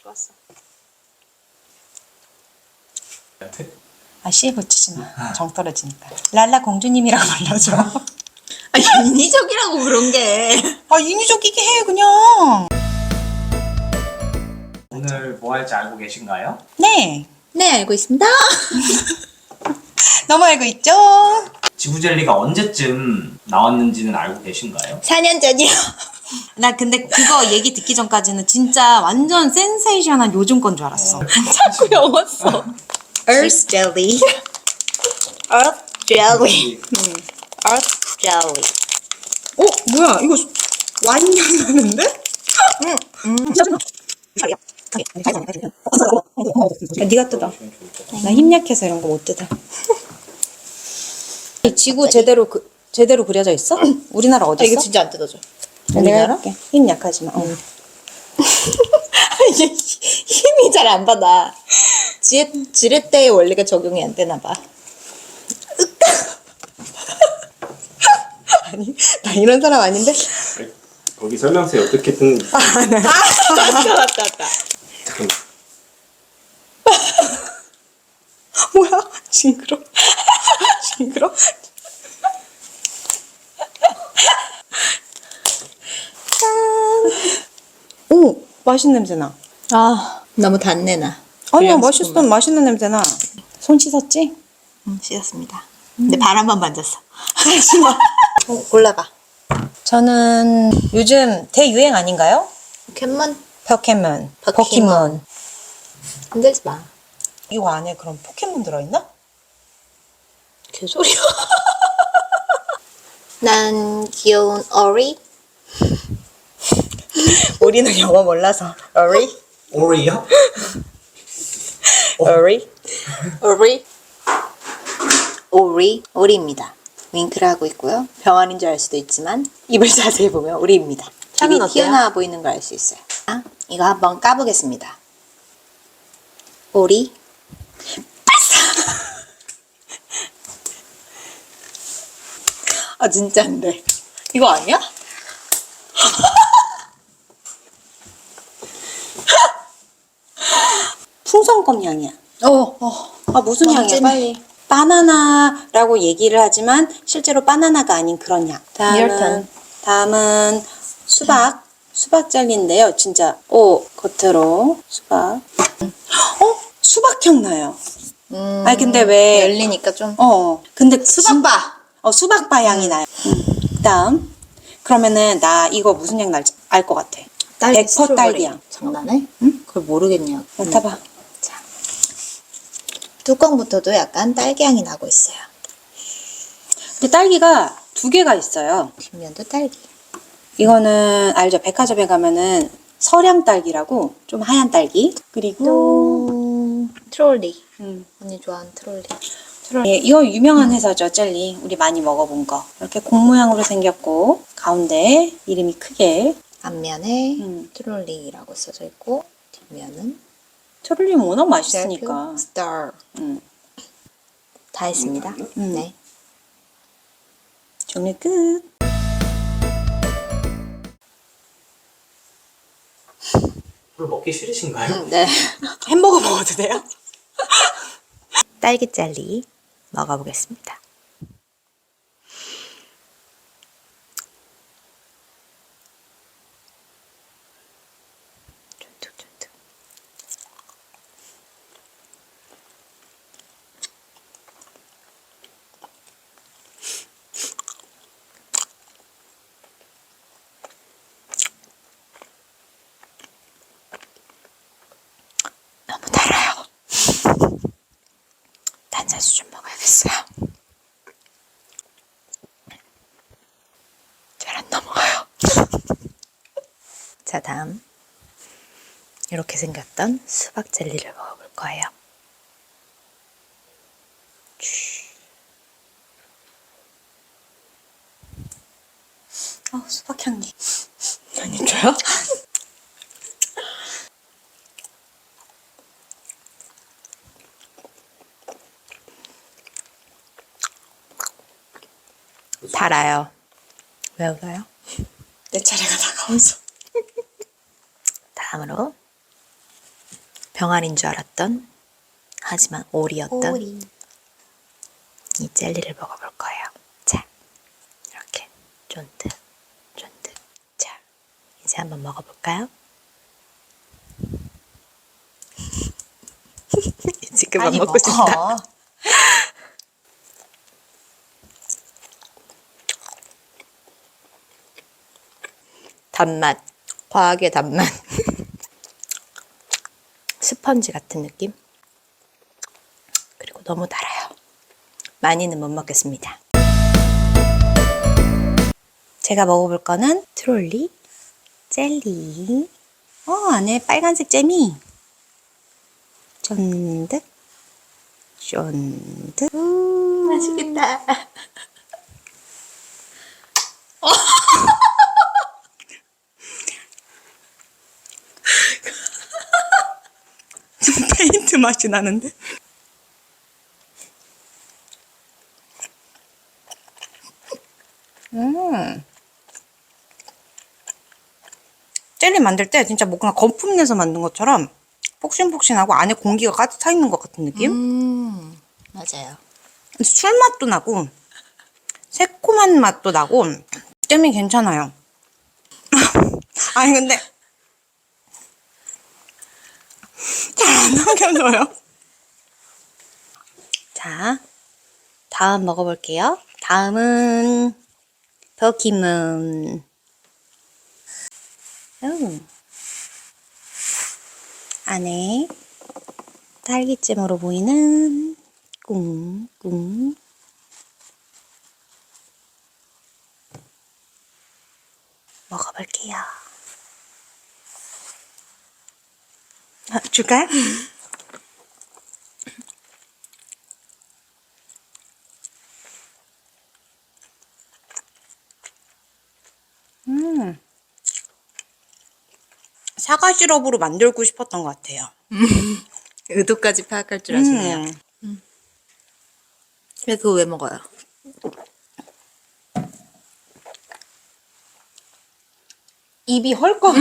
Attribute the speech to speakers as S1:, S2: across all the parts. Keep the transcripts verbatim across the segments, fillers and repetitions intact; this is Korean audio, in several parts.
S1: 좋았어.
S2: 아, 씨에 붙이지 마. 정 떨어지니까. 랄라 공주님이라고 불러줘.
S1: 아, 인위적이라고 그런 게.
S2: 아, 인위적이게 해, 그냥.
S3: 오늘 뭐 할지 알고 계신가요?
S2: 네.
S1: 네, 알고 있습니다.
S2: 너무 알고 있죠?
S3: 지구젤리가 언제쯤 나왔는지는 알고 계신가요?
S1: 사 년 전이요.
S2: 나 근데 그거 얘기 듣기 전까지는 진짜 완전 센세이션한 요즘 건 줄 알았어.
S1: 자꾸 영었어. Earth jelly. Earth jelly. Earth jelly.
S2: 어? 뭐야? 이거 완전 나는데? 야, 네가 뜯어. 나 힘 약해서 이런 거 못 뜯어. 지구 제대로 그 제대로 그려져 있어? 우리나라 어디
S1: 아,
S2: 있어?
S1: 이거 진짜 안 뜯어져.
S2: 내가
S1: 우리나라?
S2: 할게. 힘 약하지만. 어.
S1: 이게 힘이 잘 안 받아. 지렛, 지렛대의 원리가 적용이 안 되나 봐.
S2: 아니, 나 이런 사람 아닌데?
S4: 거기 설명서에 어떻게 뜬
S1: 아, 맞다, 맞다, 맞다.
S4: 잠깐만.
S2: 뭐야? 징그러. 징그러. 짠. 오, 맛있는 냄새 나.
S1: 아, 너무 단내 나.
S2: 아니야,
S1: 불량식품만.
S2: 맛있어. 맛있는 냄새 나. 손 씻었지?
S1: 응, 씻었습니다. 근데 발 한 번 만졌어.
S2: 하지마.
S1: 어, 골라봐.
S2: 저는 요즘 대유행 아닌가요?
S1: 포켓몬?
S2: 포켓몬.
S1: 포켓몬.
S2: 포켓몬.
S1: 흔들지 마.
S2: 이거 안에 그럼 포켓몬 들어있나?
S1: 개소리야. 난 귀여운 어리?
S2: 우리는 영어 몰라서. 어리?
S3: 오리요?
S2: 어리?
S1: 오리? 오리? 오리입니다. 윙크를 하고 있고요. 병아리인 줄 알 수도 있지만 입을 자세히 보면 오리입니다.
S2: 향은
S1: 입이
S2: 어때요?
S1: 튀어나와 보이는 걸 알 수 있어요. 아, 이거 한번 까보겠습니다. 오리? 아, 진짜 안 돼. 이거 아니야?
S2: 풍선껌 향이야.
S1: 어, 어.
S2: 아, 무슨 향이야?
S1: 완전히.
S2: 빨리. 바나나라고 얘기를 하지만 실제로 바나나가 아닌 그런 향. 다음은
S1: 리얼탄.
S2: 다음은 수박. 수박 젤리인데요. 진짜 오 겉으로 수박. 어? 수박 향 나요.
S1: 음,
S2: 아니 근데 왜?
S1: 열리니까 좀.
S2: 어. 근데 수박
S1: 수박.
S2: 어 수박바 향이 나요. 음. 그다음 그러면은 나 이거 무슨 향 날지 알 것 같아.
S1: 딸기
S2: 백 퍼센트
S1: 스트로베리.
S2: 딸기 향.
S1: 장난해? 응? 그걸 모르겠냐.
S2: 맡아봐.
S1: 자. 뚜껑부터도 약간 딸기 향이 나고 있어요.
S2: 근데 딸기가 두 개가 있어요.
S1: 뒷면도 딸기.
S2: 이거는 알죠? 백화점에 가면은 서량 딸기라고 좀 하얀 딸기. 그리고
S1: 또 트롤리.
S2: 음,
S1: 언니 좋아하는 트롤리.
S2: 예, 이거 유명한 회사죠, 젤리. 우리 많이 먹어본 거. 이렇게 공 모양으로 생겼고 가운데 이름이 크게.
S1: 앞면에
S2: 음.
S1: 트롤리라고 써져 있고 뒷면은
S2: 트롤리는 워낙 맛있으니까.
S1: 스타.
S2: 음.
S1: 다 했습니다.
S2: 음.
S1: 네.
S2: 종류 끝.
S3: 별로 먹기 싫으신가요?
S1: 네.
S2: 햄버거 먹어도 돼요?
S1: 딸기 젤리 먹어보겠습니다. 쫀득쫀득. 너무 달아요. 탄산수 좀 먹어야겠어요. 잘 안 넘어가요. 자, 다음 이렇게 생겼던 수박 젤리를 먹어볼 거예요.
S2: 어, 수박 향기.
S1: 안 힘줘요? 달아요. 왜 울어요?
S2: 내 차례가 다가와서.
S1: 다음으로 병아리인 줄 알았던, 하지만 오리였던
S2: 오리.
S1: 이 젤리를 먹어볼 거예요. 자, 이렇게 쫀득, 쫀득. 자, 이제 한번 먹어볼까요? 지금만
S2: 빨리
S1: 먹고
S2: 먹어.
S1: 싶다. 단맛, 과하게 단맛. 스펀지 같은 느낌? 그리고 너무 달아요. 많이는 못 먹겠습니다. 제가 먹어볼 거는 트롤리 젤리. 어, 안에 빨간색 잼이 쫀득, 쫀득. 음, 맛있겠다. 페인트 맛이 나는데? 음. 젤리 만들 때 진짜 뭔가 거품 내서 만든 것처럼 폭신폭신하고 안에 공기가 가득 차 있는 것 같은 느낌?
S2: 음, 맞아요.
S1: 술 맛도 나고 새콤한 맛도 나고 잼이 괜찮아요. 아니 근데 잘 안 남겨져요. 자, 다음 먹어볼게요. 다음은 버키문. 음. 안에 딸기잼으로 보이는 꿍꿍. 먹어볼게요. 아, 줄까요? 음. 사과 시럽으로 만들고 싶었던 것 같아요.
S2: 의도까지 파악할 줄 아시네요.
S1: 음.
S2: 근데 그거 왜 먹어요?
S1: 입이 헐거.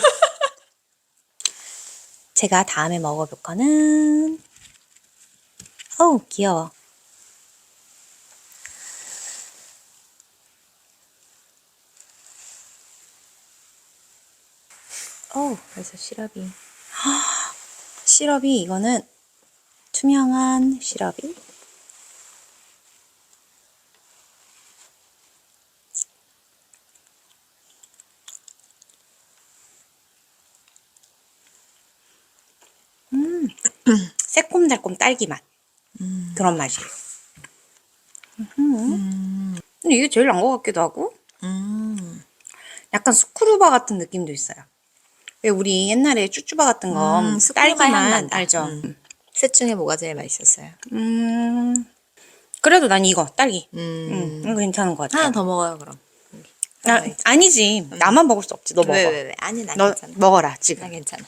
S1: 제가 다음에 먹어볼 거는, 어우, 귀여워. 어우, 벌써 시럽이. 시럽이, 이거는 투명한 시럽이. 음, 새콤달콤 딸기 맛.
S2: 음.
S1: 그런 맛이에요. 음. 근데 이게 제일 난 것 같기도 하고,
S2: 음.
S1: 약간 스크루바 같은 느낌도 있어요. 왜 우리 옛날에 쭈쭈바 같은 거
S2: 음, 스크루바
S1: 딸기
S2: 향
S1: 맛
S2: 난다.
S1: 알죠?
S2: 음. 셋 중에 뭐가 제일 맛있었어요?
S1: 음, 그래도 난 이거 딸기.
S2: 음.
S1: 음, 이거 괜찮은 것 같아요.
S2: 하나 더 먹어요, 그럼.
S1: 아, 아니지. 나만 먹을 수 없지. 너 먹어.
S2: 왜, 왜, 왜? 아니, 나
S1: 너
S2: 괜찮아.
S1: 먹어라 지금.
S2: 나 괜찮아.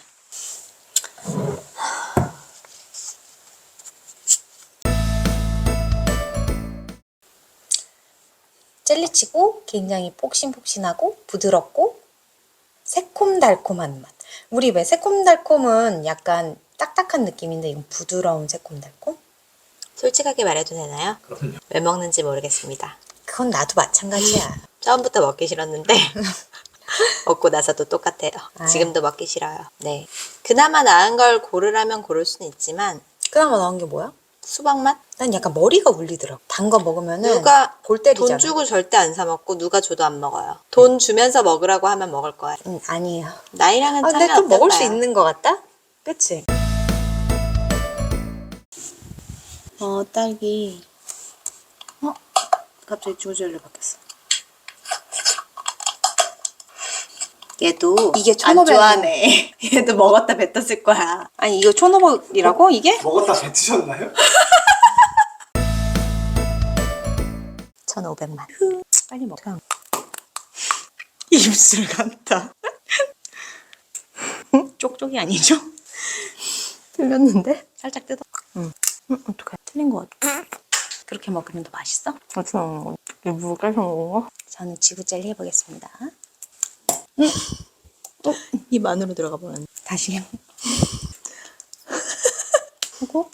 S2: 젤리치고 굉장히 폭신폭신하고 부드럽고 새콤달콤한 맛. 우리 왜 새콤달콤은 약간 딱딱한 느낌인데 이건 부드러운 새콤달콤?
S1: 솔직하게 말해도 되나요?
S3: 그럼요.
S1: 왜 먹는지 모르겠습니다.
S2: 그건 나도 마찬가지야.
S1: 처음부터 먹기 싫었는데 먹고 나서도 똑같아요.
S2: 아.
S1: 지금도 먹기 싫어요. 네. 그나마 나은 걸 고르라면 고를 수는 있지만
S2: 그나마 나온 게 뭐야?
S1: 수박 맛?
S2: 난 약간 머리가 울리더라고. 단 거 먹으면은
S1: 누가
S2: 골 때리잖아.
S1: 돈 주고 절대 안 사 먹고 누가 줘도 안 먹어요. 돈 주면서 먹으라고 하면 먹을 거예요.
S2: 음, 아니에요.
S1: 나이랑은
S2: 아,
S1: 차이
S2: 근데 좀 먹을 수
S1: 없겠다.
S2: 있는 것 같다? 그치?
S1: 어, 딸기. 어? 갑자기 주젤리 바뀌었어. 얘도
S2: 이게
S1: 안
S2: 천오백 원.
S1: 좋아하네. 얘도 먹었다 뱉었을 거야. 아니 이거 천오백이라고 이게?
S4: 먹었다 뱉으셨나요?
S1: 천오백만. 빨리 먹어. 입술 같다. 쪽쪽이 아니죠? 틀렸는데? 살짝 뜯어. 응. 응, 어떡해. 틀린 거 같아. 그렇게 먹으면 더 맛있어? 어떻게 먹는 거? 일부러 깔서 먹은 거? 저는 지구젤리 해보겠습니다. 응. 어,
S2: 입 안으로 들어가 보면.
S1: 다시.
S2: 하고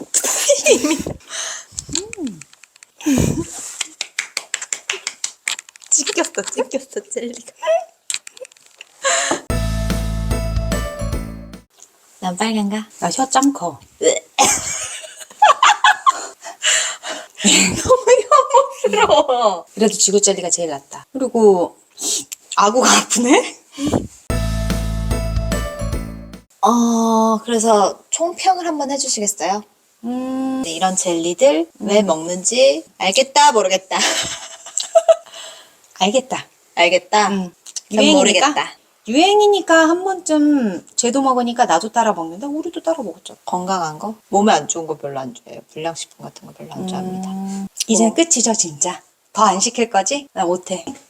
S1: 찢겼어, 찢겼어, 젤리가. 난 빨간가?
S2: 나 혀 짱 커.
S1: 부러워.
S2: 그래도 지구 젤리가 제일 낫다. 그리고 아구가 아프네?
S1: 어, 그래서 총평을 한번 해주시겠어요?
S2: 음,
S1: 네, 이런 젤리들 왜 먹는지 알겠다, 모르겠다.
S2: 알겠다.
S1: 알겠다.
S2: 음,
S1: 난
S2: 유행이니까?
S1: 모르겠다.
S2: 유행이니까 한 번쯤 쟤도 먹으니까 나도 따라 먹는다. 우리도 따라 먹었죠.
S1: 건강한 거? 몸에 안 좋은 거 별로 안 좋아해요. 불량식품 같은 거 별로 안 좋아합니다.
S2: 이제 끝이죠, 진짜. 더 안 시킬 거지? 나 못해.